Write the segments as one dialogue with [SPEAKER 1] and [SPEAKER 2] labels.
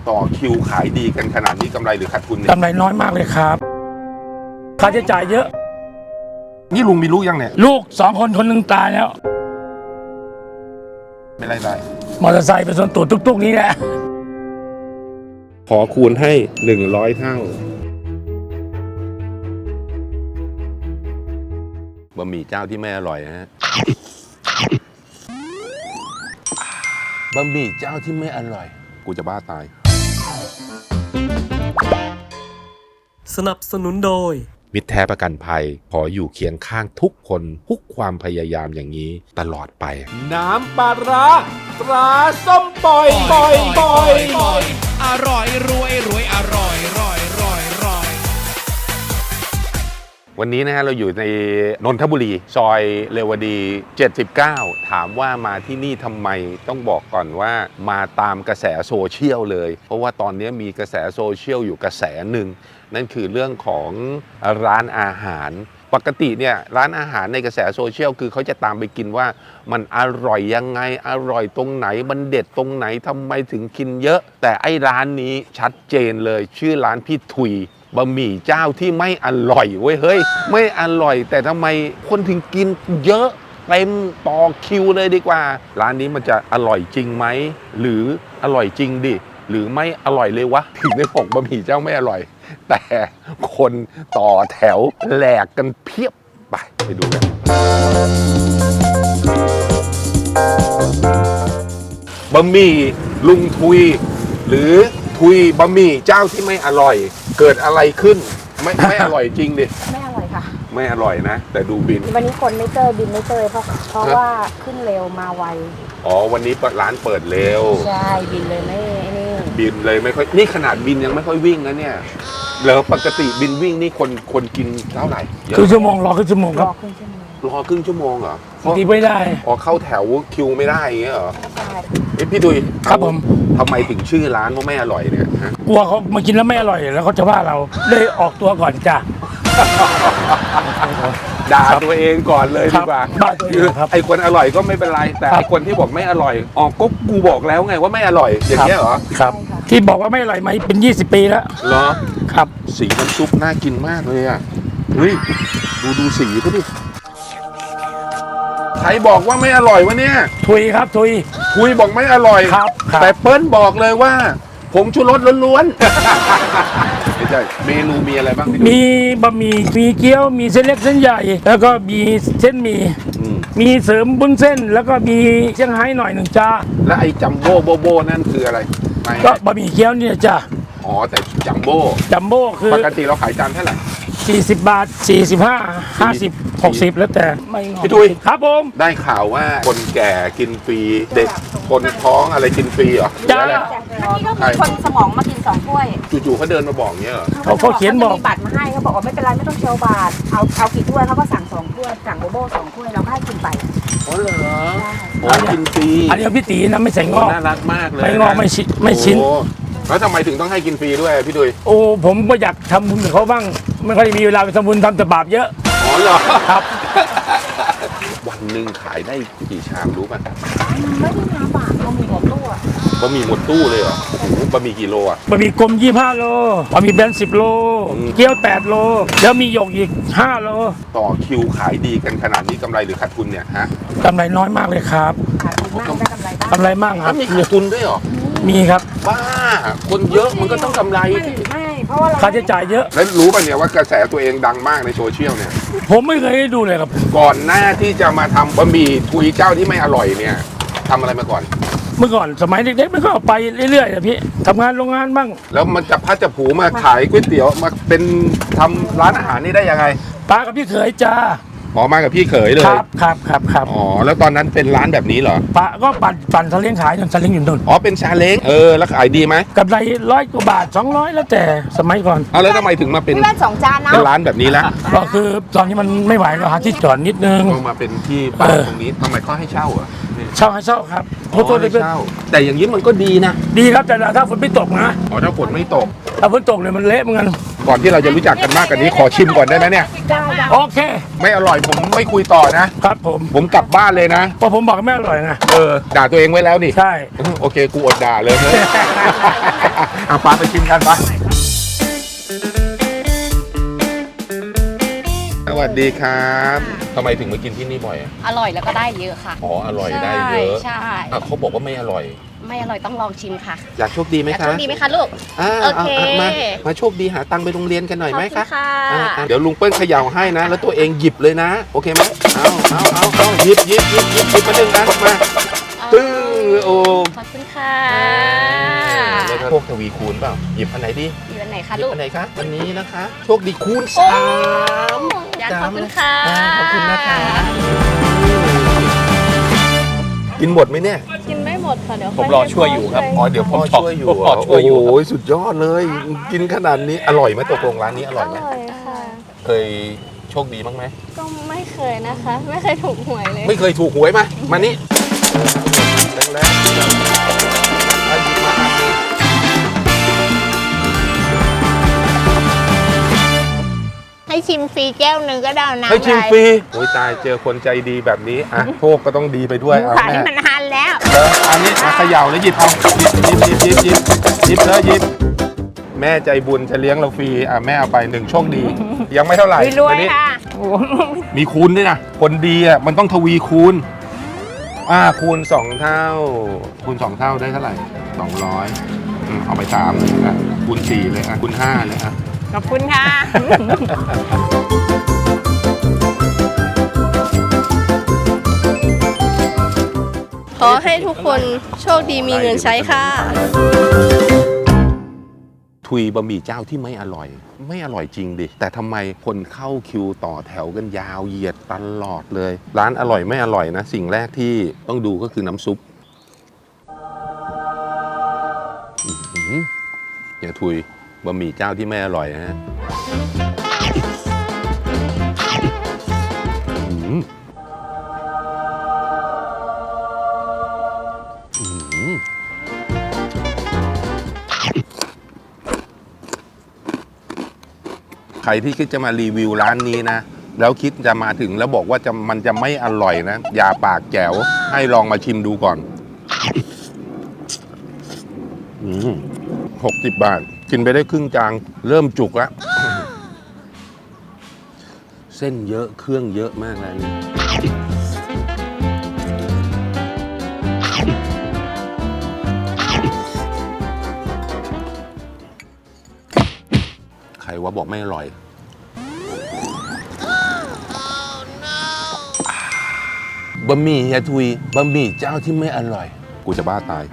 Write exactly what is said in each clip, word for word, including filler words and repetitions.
[SPEAKER 1] ต่อคิวขายดีกันขนาดนี้กำไรหรือขาดทุนเนี่ย
[SPEAKER 2] กำไรน้อยมากเลยครับค่าใช้จ่ายเยอะ
[SPEAKER 1] นี่ลุงมีลูกยังเนี่ย
[SPEAKER 2] ลูกสองคนคนหนึ่งตายแล้ว
[SPEAKER 1] ไม่ไรได้
[SPEAKER 2] มอเตอร์ไซค์เป็นส่วนตัวตุกๆนี้แหละ
[SPEAKER 1] ขอคูณให้หนึ่งร้อยเท่าบะหมี่เจ้าที่ไม่อร่อยนะฮะบะหมี่เจ้าที่ไม่อร่อยกูจะบ้าตาย
[SPEAKER 3] สนับสนุนโดย
[SPEAKER 1] มิตรแท้ประกันภัยขออยู่เคียงข้างทุกคนทุกความพยายามอย่างนี้ตลอดไปน้ำปลาร้าตราส้มปล่อยปล่อยปล่อย
[SPEAKER 3] อร่อยรวยรวยอร่อยร่อยร่อยร่อย
[SPEAKER 1] วันนี้นะฮะเราอยู่ในนนทบุรีซอยเรวดีเจ็ดสิบเก้าถามว่ามาที่นี่ทำไมต้องบอกก่อนว่ามาตามกระแสโซเชียลเลยเพราะว่าตอนนี้มีกระแสโซเชียลอยู่กระแสหนึ่งนั่นคือเรื่องของร้านอาหารปกติเนี่ยร้านอาหารในกระแสโซเชียลคือเขาจะตามไปกินว่ามันอร่อยยังไงอร่อยตรงไหนมันเด็ดตรงไหนทำไมถึงกินเยอะแต่ไอ้ร้านนี้ชัดเจนเลยชื่อร้านพี่ทุยบะหมี่เจ้าที่ไม่อร่อยเว้ยเฮ้ยไม่อร่อยแต่ทำไมคนถึงกินเยอะเต็มต่อคิวเลยดีกว่าร้านนี้มันจะอร่อยจริงไหมหรืออร่อยจริงดิหรือไม่อร่อยเลยวะถึงได้บอกบะหมี่เจ้าไม่อร่อยแต่คนต่อแถวแหลกกันเพียบไปไปดูกันบะหมี่ลุงทุยหรือทุยบะหมี่เจ้าที่ไม่อร่อยเกิดอะไรขึ้นไม่ไม่อร่อยจริงดิ
[SPEAKER 4] ไม่อร่อยค่ะ
[SPEAKER 1] ไม่อร่อยนะแต่ดูบิน
[SPEAKER 4] วันนี้คนไม่เจอบินไม่เจอเพราะเพราะว่าขึ้นเร็วมาไว
[SPEAKER 1] อ๋อวันนี้ร้านเปิดเร็ว
[SPEAKER 4] ใช่บินเลยไม่นี่
[SPEAKER 1] บินเลยไม่ค่อยนี่ขนาดบินยังไม่ค่อยวิ่งนะเนี่ยแล้วปกติบินวิ่งนี่คนคนกินเท่าไหร่
[SPEAKER 2] ครึ่งชั่วโมงรอครึ่งชั่วโมงครับ
[SPEAKER 4] รอครึ่งชั่วโมง
[SPEAKER 1] รอครึ่งชั่วโมงเหรอ
[SPEAKER 2] ทีไม่ได้
[SPEAKER 1] อ๋อเข้าแถวคิวไม่ได้อย่างเงี้ยเหรอ
[SPEAKER 4] ใช่
[SPEAKER 1] เอ้พี่ดุย
[SPEAKER 2] ครับผม
[SPEAKER 1] ทำไมถึงชื่อร้านว่าไม่อร่อยเนี่ยฮะ
[SPEAKER 2] กลัวเขามากินแล้วไม่อร่อยแล้วเขาจะว่าเราเลยออกตัวก่อนจ้ะ
[SPEAKER 1] ด่าตัวเองก่อนเลยดีกว่าคือไอ้คนอร่อยก็ไม่เป็นไรแต่ไอ้คนที่บอกไม่อร่อยอ๋อก็กูบอกแล้วไงว่าไม่อร่อยอย่างเงี้ยเหรอ
[SPEAKER 2] ครับที่บอกว่าไม่อร่อยมาเป็นยี่สิบปีแล้ว
[SPEAKER 1] เหรอ
[SPEAKER 2] ครับ
[SPEAKER 1] สีน้ำซุปน่ากินมากเลยอ่ะเฮ้ยดูดูสีเขาดิใครบอกว่าไม่อร่อยวะเนี่ย
[SPEAKER 2] ทุยครับทุย
[SPEAKER 1] ทุยบอกไม่อร่อย
[SPEAKER 2] ครับ
[SPEAKER 1] แต่เปิ้ลบอกเลยว่าผงชูรสล้วนๆไม่ใช่เมนูมีอะไรบ้าง
[SPEAKER 2] มีบะหมี่มีเกี๊ยวมีเส้นเล็กเส้นใหญ่แล้วก็มีเส้นหมี่มีเสริมบุ้นเส้นแล้วก็มีเซี่ยงไฮ้หน่อยหนึ่งจ้า
[SPEAKER 1] แล้วไอ้จัมโบ้โบโบนั่นคืออะไร
[SPEAKER 2] ก็บะหมี่เกี๊ยวเนี่ยจ้า
[SPEAKER 1] อ๋อแต่จัมโบ้
[SPEAKER 2] จัมโบ้คือ
[SPEAKER 1] ปกติเราขายจานเท่าไหร่
[SPEAKER 2] สี่สิบบาทสี่สิบห้า ห้าสิบ หกสิบแล้วแต่ไม่งอ
[SPEAKER 1] พี่ทุย
[SPEAKER 2] ครับผม
[SPEAKER 1] ได้ข่าวว่าคนแก่กินฟรีเด็กคนท้องอะไรกินฟรีเหรอ
[SPEAKER 4] จ้าเมื่อกี้ก็มีคนสมองมากินสองถ้วย
[SPEAKER 1] จู่ๆเขาเดินมาบอกเงี้ยเหรอ
[SPEAKER 2] เขาเขาเขียนบอก
[SPEAKER 4] มีบัตรมาให้เขาบอกว่าไม่เป็นไรไม่ต้องเชียวบาทเอาเอากี่ถ้วยเขาก็สั่งสองถ้วยสั่งโบโบสองถ้วยเราก็ให้กินไป
[SPEAKER 1] อ๋อเหรออ๋อกินฟรี
[SPEAKER 2] อันนี้พี่ตีนะไม่ใส่งอก
[SPEAKER 1] น่ารักมากเลย
[SPEAKER 2] ไม่งอกไม่ชิ้นไม่ชิ้น
[SPEAKER 1] แล้วทำไมถึงต้องให้กินฟรีด้วยพี่ดุย
[SPEAKER 2] โอ้ผมก็อยากทำบุญกับเขาบ้างไม่ค่อยมีเวลาไปทำบุญทำแต่บาปเยอะ
[SPEAKER 1] อ๋อเหรอ
[SPEAKER 2] ครับ
[SPEAKER 1] วันหนึ่งขายได้กี่ชามรู้ป่ะ
[SPEAKER 4] ไม่ได้น้ำบาทบะหมี่หมดตู้อะ
[SPEAKER 1] บะหมี่หมดตู้เลยเหรอโอ้โหบะหมี่กี่โลอะ
[SPEAKER 2] บะหมี่กลมยี่สิบห้าโลบะหมี่แบนสิบโลเกี๊ยวแปดโลแล้วมีหยกอีกห้าโล
[SPEAKER 1] ต่อคิวขายดีกันขนาดนี้กำไรหรือขาดทุนเนี่ยฮะ
[SPEAKER 2] กำไรน้อยมากเลยครับ
[SPEAKER 4] ขาดทุนมากได้กำไรบ้าง
[SPEAKER 2] กำไรมากครับ
[SPEAKER 1] มีขาดทุนด้วยเหรอ
[SPEAKER 2] มีครับ
[SPEAKER 1] บ้าคนเยอะมันก็ต้องกำไร
[SPEAKER 4] ไม่เพราะว่า
[SPEAKER 2] ค่าใช้จ่ายเยอะ
[SPEAKER 1] แล้วรู้ป่ะเนี่ยว่ากระแสตัวเองดังมากในโซเชียลเนี่ย
[SPEAKER 2] ผมไม่เคยได้ดูเลยครับ
[SPEAKER 1] ก่อนหน้าที่จะมาทำบะหมี่ทุยเจ้าที่ไม่อร่อยเนี่ยทำอะไรมาก่อน
[SPEAKER 2] เมื่อก่อนสมัยเด็กๆมันก็ไปเรื่อยๆอะพี่ทำงานโรงงานบ้าง
[SPEAKER 1] แล้วมันจะพัดจะผูมาขายก๋วยเตี๋ยวมาเป็นทำร้านอาหารนี่ได้ยังไง
[SPEAKER 2] ตากับพี่เขยจ้า
[SPEAKER 1] อ๋อมากับพี่เขยเลย
[SPEAKER 2] ครับครับครับครับ
[SPEAKER 1] อ๋อแล้วตอนนั้นเป็นร้านแบบนี้เหรอ
[SPEAKER 2] ปะก็ปั่นปั่นซาเล้งขายจนซาเล้งอยู่นู่น
[SPEAKER 1] อ๋อเป็นซาเล้งเออแล้วขายดีไหม
[SPEAKER 2] กำไรร้อยกว่าบาทสองร้อยแล้วแต่สมัยก่อน
[SPEAKER 1] เอาแล้วทำไมถึงมาเป็น
[SPEAKER 4] ร้านสองจานนะ
[SPEAKER 1] เป็นร้านแบบนี้แล้ว
[SPEAKER 2] ก็คือตอนนี้มันไม่ไหวก็หาที่จอดนิดนึง
[SPEAKER 1] ก็มาเป็นที่บ้านตรงนี้ทำไมเขาให้เช่าอ่ะ
[SPEAKER 2] เช่าให้เช่าครับ
[SPEAKER 1] โอ้ให้เช่าแต่อย่างนี้มันก็ดีนะ
[SPEAKER 2] ดีครับแต่ถ้าฝนไม่ตกนะ
[SPEAKER 1] อ๋อถ้าฝนไม่ตก
[SPEAKER 2] ถ้าฝนตกเลยมันเละเหมือนกัน
[SPEAKER 1] ก่อนที่เราจะรู้จักกันมากกว่านี้ขอชิมก่อนได้ไหมเนี่ย
[SPEAKER 2] โอเค
[SPEAKER 1] ไม่อร่อยผมไม่คุยต่อนะ
[SPEAKER 2] ครับผม
[SPEAKER 1] ผมกลับบ้านเลยนะ
[SPEAKER 2] เพราะผมบอกไม่อร่อยนะ
[SPEAKER 1] เออด่าตัวเองไว้แล้วนี่
[SPEAKER 2] ใช่
[SPEAKER 1] โอเคกูอดด่าเลยเฮ้ย เอาปลาไปชิมกันปะสวัสดีครับทำไมถึงมากินที่นี่บ่อยอะ
[SPEAKER 5] อร่อยแล้วก็ได้เยอะค่ะ
[SPEAKER 1] อ๋ออร่อยได้เยอะ
[SPEAKER 5] ใช่ใช่
[SPEAKER 1] อ่ะเขาบอกว่าไม่อร่อย
[SPEAKER 5] ไม่อร่อยต้องลองชิมค่ะ
[SPEAKER 1] อยากโชคดีไหม
[SPEAKER 5] อยาก
[SPEAKER 1] คะ
[SPEAKER 5] โชคดีไหมคะลูก
[SPEAKER 1] อ่า
[SPEAKER 5] โอเค
[SPEAKER 1] ามามาโชคดีหาตังค์ไปโรงเรียนกันหน่อยไหม
[SPEAKER 5] ขอบ
[SPEAKER 1] คะ
[SPEAKER 5] ณค่ะ
[SPEAKER 1] อ่าอ่าเดี๋ยวลุงเปิ้ลเขย่าให้นะ แล้วตัวเองหยิบเลยนะ โอเคไหมเอาเอาเอาเอาหยิบหยิบหยิบหยิบหยิบมาหนึ่งอันมาตื้อโอ้
[SPEAKER 5] ขอบคุณค่ะ
[SPEAKER 1] แล้วก็พวกทวีคูณเปล่าหยิบอันไหนดี
[SPEAKER 5] อยู่อันไหน
[SPEAKER 1] ห
[SPEAKER 5] คะ
[SPEAKER 1] ยิ
[SPEAKER 5] ลู
[SPEAKER 1] บ
[SPEAKER 5] ก
[SPEAKER 1] อันไหนคะอันนี้นะคะ โชคดีคูณ
[SPEAKER 5] โอ้
[SPEAKER 1] สาม
[SPEAKER 5] อยากขอบคุณค่ะ
[SPEAKER 1] อ่าขอบคุณนะคะกินหมดไหมเนี่ย
[SPEAKER 5] กินไม่หมดค่ะเดี๋ยว
[SPEAKER 3] ผมรอช่วยอยู่ครับ
[SPEAKER 1] อ๋อเดี๋ยวพ่อช่วยอยู่
[SPEAKER 3] ผมรอช่วยอยู่
[SPEAKER 1] โอ้โหสุดยอดเลย กินขนาดนี้อร่อยไหมตกลงร้านนี้อร่อยไหม
[SPEAKER 6] อร่อยค่ะ
[SPEAKER 1] เคยโชคดีบ้างไหม
[SPEAKER 6] ก็ไม่เคยนะคะ ไม่เคยถูกหวยเลย
[SPEAKER 1] ไม่เคยถูกหวยมามานี่แรงๆเอาหยิบมาอันหนึ่ง
[SPEAKER 6] ให้ชิมฟรีแก้วหนึ่งก็ได้นะ
[SPEAKER 1] ให้ชิมฟรีโอ้ยตายเจอคนใจดีแบบนี้อ่ะโชคก็ต้องดีไปด้วยเอา
[SPEAKER 6] ขาย
[SPEAKER 1] แม่
[SPEAKER 6] มันหันแล้ว
[SPEAKER 1] เอออันนี้มาเขย่าแล้วหยิบเอาหยิบหยิบหยิบหยิบหยิบหยิบเลยหยิบแม่ใจบุญจะเลี้ยงเราฟรีอ่ะแม่เอาไปหนึ่งโชคดี ยังไม่เท่าไหร่
[SPEAKER 6] รวย
[SPEAKER 1] อันนี้
[SPEAKER 6] ๆค่ะ
[SPEAKER 1] มีคูณด้วยนะคนดีอ่ะมันต้องทวีคูณอ่าคูณสองเท่า คูณสองเท่าได้เท่าไหร่สองร้อยอืมเอาไปสามเลยอ่ะคูณสี่เลยอ่ะคูณห้าเลยอ่ะ
[SPEAKER 6] ขอบคุณค่ะ
[SPEAKER 7] ขอให้ทุกคนโชคดีมีเงินใช้ค่ะ
[SPEAKER 1] ทุยบะหมี่เจ้าที่ไม่อร่อย ไม่อร่อยจริงดิ แต่ทำไมคนเข้าคิวต่อแถวกันยาวเหยียดตลอดเลย ร้านอร่อยไม่อร่อยนะ สิ่งแรกที่ต้องดูก็คือน้ำซุปอื้อหืออย่าทุยบะหมี่เจ้าที่ไม่อร่อยนะฮะอื้อหืออื้อหือ ใครที่คิดจะมารีวิวร้านนี้นะ แล้วคิดจะมาถึงแล้วบอกว่าจะมันจะไม่อร่อยนะ อย่าปากแจ๋วให้ลองมาชิมดูก่อนหกสิบบาท กินไปได้ครึ่งจานเริ่มจุกแล้ว เส้นเยอะเครื่องเยอะมากแล้วนี่ใครว่าบอกไม่อร่อย บะหมี่เฮียทุยบะหมี่เจ้าที่ไม่อร่อย กูจะบ้าตาย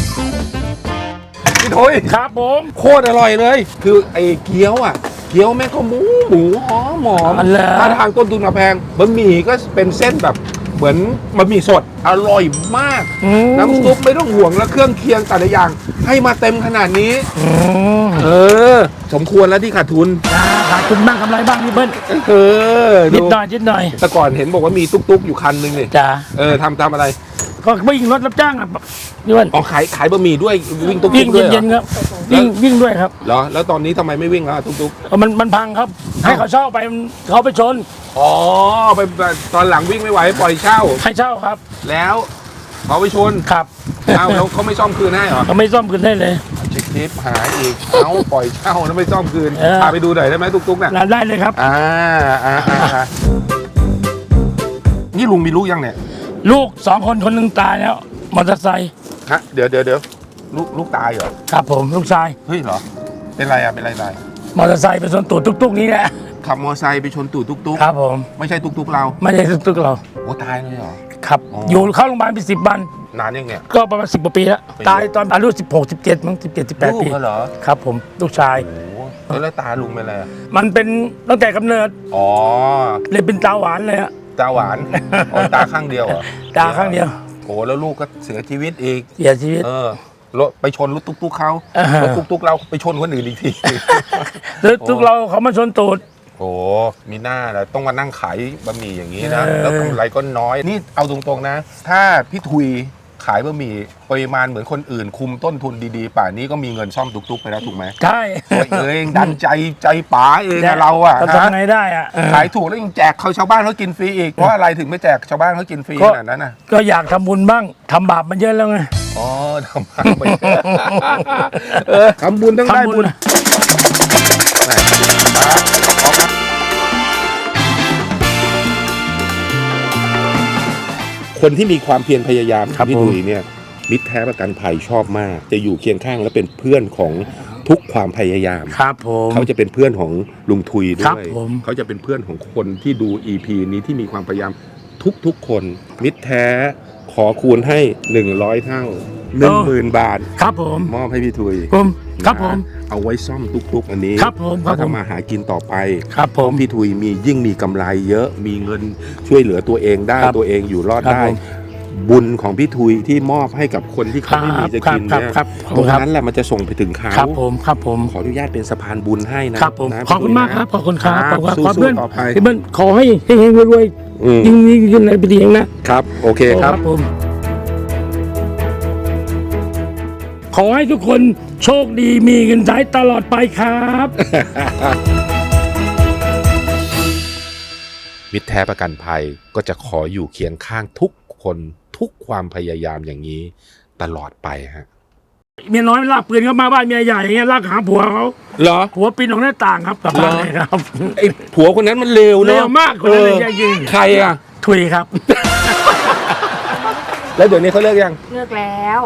[SPEAKER 1] พี่ทุย
[SPEAKER 2] ครับผม
[SPEAKER 1] โคตรอร่อยเลย คือไอ้เกี๊ยวอ่ะ เกี๊ยวแม่งก็หมูหมูหอมหอม
[SPEAKER 2] อันแล้ว
[SPEAKER 1] ถ้าทางต้นทุนมาแพงบะหมี่ก็เป็นเส้นแบบเหมือนบะหมี่สดอร่อยมาก
[SPEAKER 2] อืม
[SPEAKER 1] น้ำซุปไม่ต้องห่วงแล้วเครื่องเคียงแต่ละอย่าง ให้มาเต็มขนาดนี้
[SPEAKER 2] อืม
[SPEAKER 1] เออ สมควรแล้วที่ขาดทุน
[SPEAKER 2] จ้าขาดทุนบ้างกำไรบ้างพี่เบิ้ล
[SPEAKER 1] เออ
[SPEAKER 2] นิ
[SPEAKER 1] ดู
[SPEAKER 2] ดหน่อยนิดหน่อย
[SPEAKER 1] แต่ก่อนเห็นบอกว่ามีตุ๊กๆอยู่คันนึงนี่
[SPEAKER 2] จ้า
[SPEAKER 1] เออทำทำอะไร
[SPEAKER 2] ก็วิ่งรถรับจ้างอ่ะพี่เบิ้ล
[SPEAKER 1] อ๋อขายขายบะหมี่ด้วยวิ่งตุ๊ก
[SPEAKER 2] วิ่ง
[SPEAKER 1] ๆด้วยเหร
[SPEAKER 2] เย็
[SPEAKER 1] อน
[SPEAKER 2] ๆครับวิ่งวิ่งด้วยครับ
[SPEAKER 1] เหรอแล้วตอนนี้ทำไมไม่วิ่งแล้วตุ๊ก
[SPEAKER 2] เอามันมันพังครับ ให้เขาเช่าไปมันเขาไปชน
[SPEAKER 1] ๆอ๋อไปตอนหลังวิ่งไม่ไหวปล่อยเช่า
[SPEAKER 2] ให้เช่าครับ
[SPEAKER 1] แล้วเขาไปชน
[SPEAKER 2] ครับ
[SPEAKER 1] เอ้าแล้วเขาไม่ซ่อมคืนให้เหรอ
[SPEAKER 2] เขาไม่ซ่อมคืนได้เลย
[SPEAKER 1] ชิคทิปหายอีกเอ้าปล่อยเช่าแล้วไม่ซ่อมคืน
[SPEAKER 2] เออ
[SPEAKER 1] พาไปดูหน่อยได้ไหมตุ๊กๆน่ะ
[SPEAKER 2] ร้านได้เลยครับ
[SPEAKER 1] อ่าอ่าอ่าอ่านี่ลุงมีลูกยังเนี่ย
[SPEAKER 2] ลูกสองคนคนหนึ่งตายแล้วมอเตอร์ไซค์
[SPEAKER 1] ฮะเดี๋ยวเดี๋ยวเดี๋ยวลูกลูกตายเหรอ
[SPEAKER 2] ครับผมลูกชาย
[SPEAKER 1] เฮ้ยเหรอเป็นไรอ่ะเป็นไรตาย
[SPEAKER 2] มอเตอร์ไซค์ไปชนตูดตุ๊กๆนี้แหละ
[SPEAKER 1] ขับมอเตอร์ไซค์ไปชนตูดตุ๊ก
[SPEAKER 2] ครับผม
[SPEAKER 1] ๆไม่ใช่ตุ๊กๆเรา
[SPEAKER 2] ไม่ใช่ตุ๊กๆเรา
[SPEAKER 1] โอ้ตายเลยเหรอ
[SPEAKER 2] ครับ
[SPEAKER 1] อ๋อ
[SPEAKER 2] อยู่เข้าโรงพยาบาลไปสิบวัน
[SPEAKER 1] นานยังเนี่ย
[SPEAKER 2] ก็ประมาณสิบกว่าปีแล้ว
[SPEAKER 1] ปี
[SPEAKER 2] ตายตอนอายุสิบหกสิบเจ็ดมั้งสิบเจ็ดสิบแปด
[SPEAKER 1] ลูก
[SPEAKER 2] ปี
[SPEAKER 1] เขาเหรอ
[SPEAKER 2] ครับผมลูกชาย
[SPEAKER 1] โอ้โหแล้วตาลุงเป็นอะไรอะ
[SPEAKER 2] มันเป็นตั้งแต่กำเนิด
[SPEAKER 1] อ๋อ
[SPEAKER 2] เลยเป็นตาหวานเลยอะ
[SPEAKER 1] ตาหวานอ๋อตาข้างเดียวเหรอ
[SPEAKER 2] ตาข้างเดียว
[SPEAKER 1] โอ้แล้วลูกก็เสียชีวิตอีก
[SPEAKER 2] เสียชีวิต
[SPEAKER 1] เออรถไปชนรถตุ๊กๆเขา
[SPEAKER 2] อ่าฮะ
[SPEAKER 1] รถตุ๊กๆเราไปชนคนอื่นอีกที
[SPEAKER 2] แล้วทุกเราเขามาชนตูด
[SPEAKER 1] โอ้มีหน้าแล้วต้องมานั่งขายบะหมี่อย่างนี้นะ
[SPEAKER 2] เออ
[SPEAKER 1] แล้วกำไรก็น้อย นี่เอาตรงๆนะ ถ้าพี่ทุยขายบะหมี่ปริมาณเหมือนคนอื่นคุมต้นทุนดีๆป่านนี้ก็มีเงินซ่อมตุกๆไปแล้วถูกไหม
[SPEAKER 2] ใช่
[SPEAKER 1] ตัวเองดันใจใจป๋าเองอะเราอะ
[SPEAKER 2] จะ
[SPEAKER 1] ฮะ
[SPEAKER 2] ทำไงได้อะเออ
[SPEAKER 1] ขายถูกแล้วยังแจกเขาชาวบ้านเขากินฟรีอีกเพราะอะไรถึงไม่แจกชาวบ้านเขากินฟรี
[SPEAKER 2] ก็
[SPEAKER 1] ขนาดนั้นน่ะ
[SPEAKER 2] ก็อยากทำบุญบ้างทำบาปมันเยอะแล้วไง
[SPEAKER 1] อ๋อทำบุญไปเออทำบุญต้องได้
[SPEAKER 2] ทำบุ
[SPEAKER 1] บุญ
[SPEAKER 2] ญ
[SPEAKER 1] แหม่ครับคนที่มีความเพียรพยายาม
[SPEAKER 2] ครับ
[SPEAKER 1] พี่
[SPEAKER 2] ผม
[SPEAKER 1] ดุยเนี่ยมิตรแท้ประกันภัยชอบมาก จะอยู่เคียงข้างและเป็นเพื่อนของทุกความพยายาม
[SPEAKER 2] ครับผม
[SPEAKER 1] เขาจะเป็นเพื่อนของลุงทุยด้
[SPEAKER 2] ครับ
[SPEAKER 1] วย
[SPEAKER 2] ผม
[SPEAKER 1] เขาจะเป็นเพื่อนของคนที่ดู อี พี นี้ที่มีความพยายามทุกๆคน มิตรแท้ขอคูณให้หนึ่งร้อยเท่าหนึ่งหมื่นบาท
[SPEAKER 2] ครับผม
[SPEAKER 1] มอบให้พี่ทุย
[SPEAKER 2] ผมครับผม
[SPEAKER 1] นะเอาไว้ซ่อมทุกๆอันนี้
[SPEAKER 2] ครับผมครับ
[SPEAKER 1] เขา
[SPEAKER 2] ผม
[SPEAKER 1] ทำมาหากินต่อไป
[SPEAKER 2] ครับผม
[SPEAKER 1] พี่ทุยมียิ่งมีกำไรเยอะ มีเงินช่วยเหลือตัวเองได้
[SPEAKER 2] ครับ
[SPEAKER 1] ตัวเองอยู่รอด
[SPEAKER 2] ครับ
[SPEAKER 1] ได้
[SPEAKER 2] ผม
[SPEAKER 1] บุญของพี่ทุยที่มอบให้กับคนที่เขาไม่มีจะกิน
[SPEAKER 2] ครับ
[SPEAKER 1] เนี่ย
[SPEAKER 2] ครับ
[SPEAKER 1] ตรง
[SPEAKER 2] ครับ
[SPEAKER 1] นั้นแหละมันจะส่งไปถึงเขา
[SPEAKER 2] ครับผมครับผม
[SPEAKER 1] ขออนุญาตเป็นสะพานบุญให้นะครับ
[SPEAKER 2] ผม
[SPEAKER 1] นะ
[SPEAKER 2] ขอบคุณมากครับขอบคุณครับขอบคุณครับ
[SPEAKER 1] สู้
[SPEAKER 2] ขอเพื่อน
[SPEAKER 1] ๆต่อไป
[SPEAKER 2] พี่เบิ้ลขอให้เฮงๆรวย
[SPEAKER 1] อืม
[SPEAKER 2] ๆยิ่งยิ่งขึ้นในปีนี้นะครับ
[SPEAKER 1] โอเคครับ
[SPEAKER 2] ผม ขอให้ทุกคนโชคดีมีเงินใช้ตลอดไปครับ
[SPEAKER 1] มิตรแท้ประกันภัยก็จะขออยู่เคียงข้างทุกคนทุกความพยายามอย่างนี้ตลอดไปฮะ
[SPEAKER 2] เมียน้อยลากปืนเข้ามาบ้านเมียใหญ่อย่างเงี้ยลากหาผัวเขา
[SPEAKER 1] เหรอ
[SPEAKER 2] ผัวปีนออกหน้าต่างครับกลับบ้านเลยครับ
[SPEAKER 1] ไอ้ผัวคนนั้นมันเลวเน
[SPEAKER 2] เร็
[SPEAKER 1] อะ
[SPEAKER 2] วมากคนนั้นเลย
[SPEAKER 1] ออ
[SPEAKER 2] จริง
[SPEAKER 1] ใครอ่ะ
[SPEAKER 2] ๆถุยครับ
[SPEAKER 1] แล้วเดี๋ยวนี้เขาเลิกยัง
[SPEAKER 4] เลิกแล้ว